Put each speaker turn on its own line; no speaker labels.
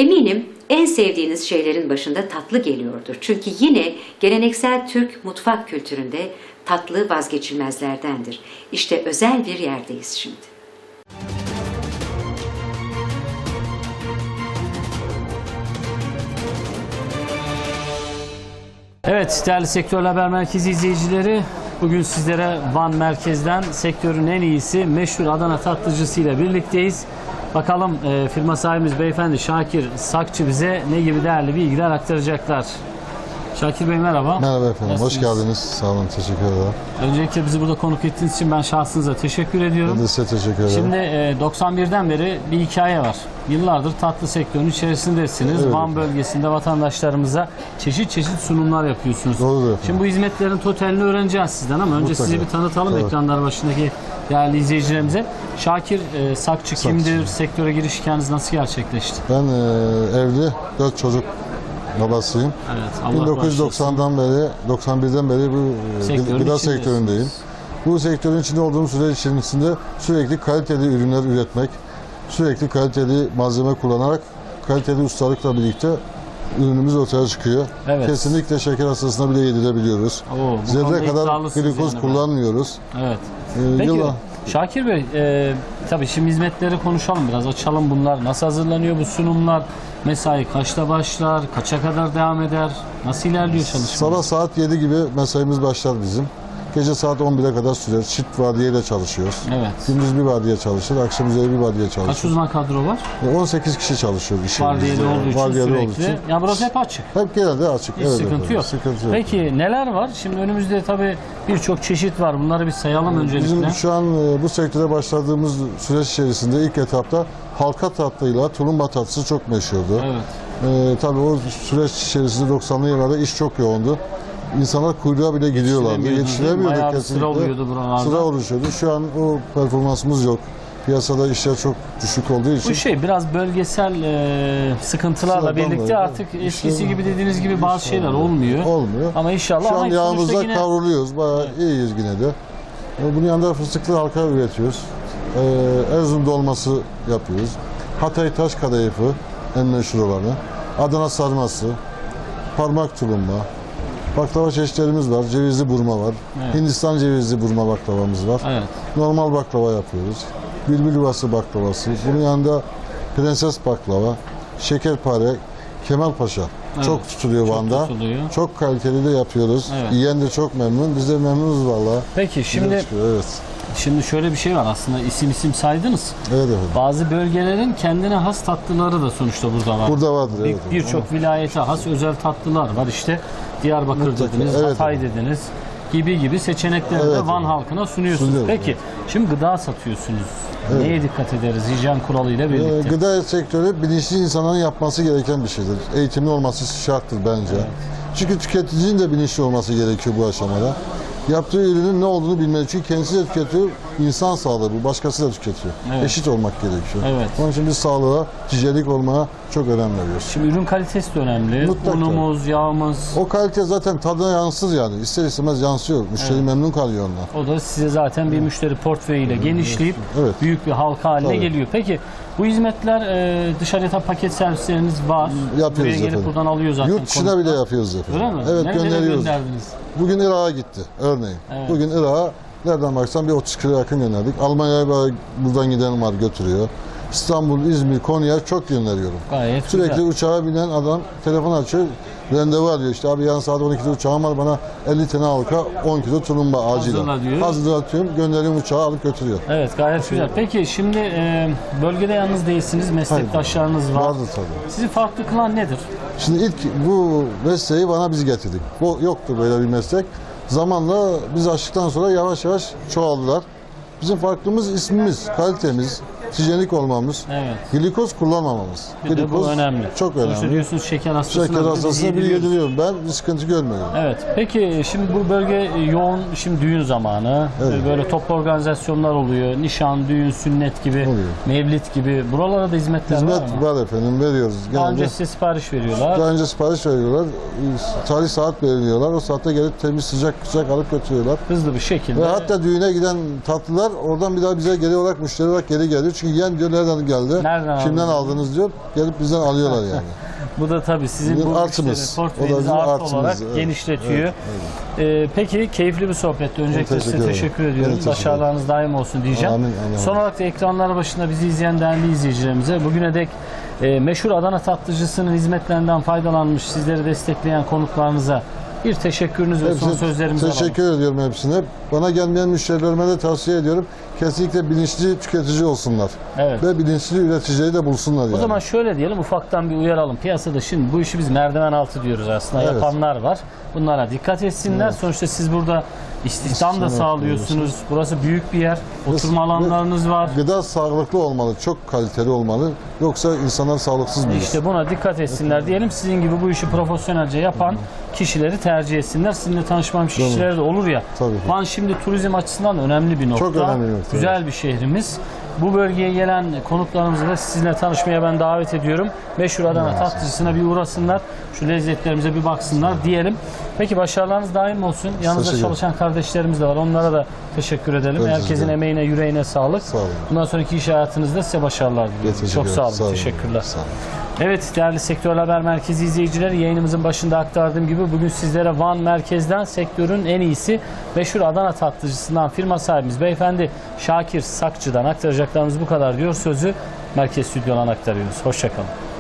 Eminim en sevdiğiniz şeylerin başında tatlı geliyordur. Çünkü yine geleneksel Türk mutfak kültüründe tatlı vazgeçilmezlerdendir. İşte özel bir yerdeyiz şimdi.
Evet, değerli Sektör Haber Merkezi izleyicileri, bugün sizlere Van merkezden sektörün en iyisi meşhur Adana tatlıcısı ile birlikteyiz. Bakalım firma sahibimiz beyefendi Şakir Sakçı bize ne gibi değerli bilgiler aktaracaklar. Şakir Bey merhaba.
Merhaba efendim, hoş geldiniz. Sağ olun, teşekkür ederim.
Öncelikle bizi burada konuk ettiğiniz için ben şahsınıza teşekkür ediyorum.
Ben de size teşekkür ederim.
Şimdi 91'den beri bir hikaye var. Yıllardır tatlı sektörünün içerisindesiniz.
Evet.
Van bölgesinde vatandaşlarımıza çeşit çeşit yapıyorsunuz.
Doğrudur efendim.
Şimdi bu hizmetlerin totalini öğreneceğiz sizden ama önce
Mutlaka.
sizi bir tanıtalım
Evet.
ekranlar başındaki değerli izleyicilerimize. Şakir Sakçı kimdir? Sektöre giriş hikayeniz nasıl gerçekleşti?
Ben evli, 4 çocuk babasıyım.
Evet, Allah
1990'dan beri, 91'den beri bu
Sektörün
gıda
içindesiniz.
sektöründeyim. Bu sektörün içinde olduğum süre içerisinde sürekli kaliteli ürünler üretmek, sürekli kaliteli malzeme kullanarak, kaliteli ustalıkla birlikte ürünümüz ortaya çıkıyor.
Evet.
Kesinlikle şeker hastasına bile yedirebiliyoruz.
Oo, bu konuda
Zerre kadar
iddialısınız
glikoz
yani.
kullanmıyoruz.
Evet. Peki
Yıla-
Şakir Bey, tabii şimdi hizmetleri konuşalım biraz, açalım bunlar. Nasıl hazırlanıyor bu sunumlar? Mesai kaçta başlar? Kaça kadar devam eder? Nasıl ilerliyor çalışma?
Sabah saat 7 gibi mesaimiz başlar bizim. Gece saat 11'e kadar sürer. Çift vardiyeyle çalışıyoruz.
Evet.
Gündüz bir vardiya çalışır, akşam üzeri bir vardiya
Kaç
çalışır.
uzman kadro var?
18 kişi çalışıyor iş
Vardiyeli
yerimizde.
olduğu için
Vardiyeli olduğu
sürekli.
için.
Ya burası hep açık.
Hep genelde açık.
Hiç
Evet
sıkıntı
efendim,
yok.
sıkıntı yok.
Peki neler var? Şimdi önümüzde tabii birçok çeşit var. Bunları bir sayalım öncelikle.
Bizim şu an bu sektöre başladığımız süreç içerisinde ilk etapta halka tatlıyla tulumba tatlısı çok meşhurdu.
Evet.
Tabii o süreç içerisinde 90'lı yıllarda iş çok yoğundu. İnsanlar kuyruğa bile gidiyorlardı. Yetiştiremiyorduk
Bayağı bir
kesinlikle.
sıra oluyordu buralarda.
Sıra oluşuyordu. Şu an o performansımız yok. Piyasada işler çok düşük olduğu için.
Bu şey biraz bölgesel sıkıntılarla
Sıradan
birlikte
böyle.
artık eskisi gibi dediğiniz gibi bazı şeyler olmuyor.
Olmuyor.
Ama inşallah
Şu an
sonuçta
yağımızda
yine...
kavruluyoruz. Bayağı iyiyiz yine de. Bunun yanında fıstıklı halka üretiyoruz. Erzurum dolması yapıyoruz. Hatay taş kadayıfı en meşhur olanı. Adana sarması, parmak tulumba, baklava çeşitlerimiz var. Cevizli burma var.
Evet.
Hindistan cevizli burma baklavamız var.
Evet.
Normal baklava yapıyoruz. Bülbül yuvası baklavası. Bunun yanında prenses baklava, şekerpare, Kemalpaşa.
Evet.
Çok tutuluyor
Çok
Van'da.
tutuluyor.
Çok kaliteli de yapıyoruz.
Evet.
Yiyen de çok memnun. Biz de memnunuz vallahi.
Peki şimdi
Evet.
şöyle bir şey var aslında, isim saydınız.
Evet efendim.
Bazı bölgelerin kendine has tatlıları da sonuçta burada var.
Burada vardır. Evet.
Birçok vilayete has özel tatlılar var. İşte Diyarbakır
Mutlaka,
dediniz,
evet
Hatay
efendim.
dediniz gibi seçenekleri
Evet
de Van
efendim.
halkına sunuyorsunuz.
Sunuyoruz,
Peki şimdi gıda satıyorsunuz. Neye dikkat ederiz hijyen kuralıyla birlikte?
Gıda sektörü bilinçli insanların yapması gereken bir şeydir. Eğitimli olması şarttır bence. Çünkü tüketicinin de bilinçli olması gerekiyor bu aşamada. Yaptığı ürünün ne olduğunu bilmeli. Çünkü kendisi de tüketiyor, insan sağlığı bu. Başkası da tüketiyor.
Evet.
Eşit olmak gerekiyor.
Evet.
Onun için biz sağlığa, ticaretlik olmaya çok önem veriyoruz.
Şimdi ürün kalitesi de önemli.
Mutlaka.
Unumuz, yağımız.
O kalite zaten tadına yansır yani. İster istemez yansıyor. Müşteri memnun kalıyor ondan.
O da size zaten bir müşteri portföyüyle genişleyip
Evet.
büyük bir halka haline
Tabii.
geliyor. Peki bu hizmetler dışarıya paket servisleriniz var.
Yapıyoruz
Buraya gelip
efendim.
buradan alıyor zaten.
Yurt dışına
konuklar.
bile yapıyoruz efendim.
Öyle mi?
Evet,
Nerelere
gönderiyoruz.
gönderdiniz?
Bugün Irak'a gitti örneğin.
Evet.
Bugün Irak'a nereden baksan bir 30 kilo yakın gönderdik. Almanya'ya buradan giden var götürüyor. İstanbul, İzmir, Konya çok gönderiyorum.
Gayet
Sürekli
güzel.
uçağa binen adam telefon açıyor. Randevu arıyor işte abi yarın saat 12'de uçağım var bana 50 tane halka 10 kilo tulumba acilen.
Hazırla diyor.
Hazırlatıyorum gönderiyorum uçağa alıp götürüyor.
Evet gayet güzel. Peki şimdi bölgede yalnız değilsiniz. Meslektaşlarınız var.
Vardır tabii.
Sizi farklı kılan nedir?
Şimdi ilk bu mesleği bana biz getirdik. Bu yoktu böyle bir meslek. Zamanla biz açtıktan sonra yavaş yavaş çoğaldılar. Bizim farklımız ismimiz, kalitemiz, hijyenik olmamız,
Evet.
glikoz kullanmamamız.
Bir de bu önemli.
Çok
Sonuçta
önemli.
diyorsunuz şeker hastasına.
Şeker
bile
hastasına
biz
bir
yediriyoruz.
yediriyorum. Ben bir sıkıntı görmüyorum.
Evet. Peki şimdi bu bölge yoğun, şimdi düğün zamanı.
Evet.
Böyle toplu organizasyonlar oluyor. Nişan, düğün, sünnet gibi,
Oluyor.
mevlit gibi. Buralara da hizmetler var
Hizmet
mı?
var efendim, veriyoruz.
Daha önce
Genelde
size sipariş veriyorlar.
daha önce sipariş veriyorlar. Tarih saat belirliyorlar. O saatte gelip temiz sıcak alıp götürüyorlar.
Hızlı bir şekilde.
Ve hatta düğüne giden tatlılar oradan bir daha bize geri olarak müşteri olarak geri geliyor. Çünkü yiyen diyor nereden geldi,
Nereden
kimden
aldınız?
aldınız diyor. Gelip bizden alıyorlar yani.
Bu da tabii sizin
Bizim
bu
artımız.
müşteri
O da
portföyünüzü
bizim
artı
artımız,
olarak
evet.
genişletiyor. Peki keyifli bir sohbetti. Öncelikle size
teşekkür
teşekkür
ederim.
ediyorum.
Ben teşekkür
Başarılarınız daim olsun diyeceğim.
Amin, amin.
Son olarak da ekranlar başında bizi izleyen değerli izleyicilerimize bugüne dek meşhur Adana tatlıcısının hizmetlerinden faydalanmış, sizleri destekleyen konuklarınıza bir teşekkürünüz ve son
Hepsine
sözlerimizi alalım.
teşekkür ediyorum hepsine. Bana gelmeyen müşterilerime de tavsiye ediyorum. Kesinlikle bilinçli tüketici olsunlar.
Evet.
Ve bilinçli üreticiyi de bulsunlar yani.
O zaman şöyle diyelim, ufaktan bir uyaralım. Piyasada şimdi bu işi biz merdiven altı diyoruz aslında.
Evet.
Yapanlar var. Bunlara dikkat etsinler.
Evet.
Sonuçta siz burada istihdam da
İstihdam
sağlıyorsunuz. Burası büyük bir yer. Oturma alanlarınız var.
Gıda sağlıklı olmalı, çok kaliteli olmalı. Yoksa insanlar sağlıksız büyür.
İşte buna dikkat etsinler diyelim. Sizin gibi bu işi profesyonelce yapan kişileri tercih etsinler. Sizinle tanışmamış kişiler de olur ya.
Tabii ki.
Van şimdi turizm açısından önemli bir nokta.
Çok önemli bir nokta,
Güzel bir şehrimiz. Bu bölgeye gelen konuklarımızı da sizinle tanışmaya ben davet ediyorum. Meşhur Adana tatlıcısına bir uğrasınlar. Şu lezzetlerimize bir baksınlar diyelim. Peki başarılarınız daim olsun. Yanınızda
Teşekkür
çalışan kardeşlerimiz de var. Onlara da teşekkür edelim.
Ben
Herkesin
teşekkür ederim.
emeğine, yüreğine sağlık.
Sağ olun.
Bundan sonraki iş hayatınızda size başarılar diliyorum.
Teşekkür
Çok sağ olun.
ederim. Sağ olun.
Teşekkürler.
Sağ olun.
Evet değerli Sektör Haber Merkezi izleyicileri, yayınımızın başında aktardığım gibi bugün sizlere Van merkezden sektörün en iyisi meşhur Adana tatlıcısından firma sahibimiz beyefendi Şakir Sakçı'dan aktaracaklarımız bu kadar diyor. Sözü merkez stüdyodan aktarıyoruz. Hoşça kalın.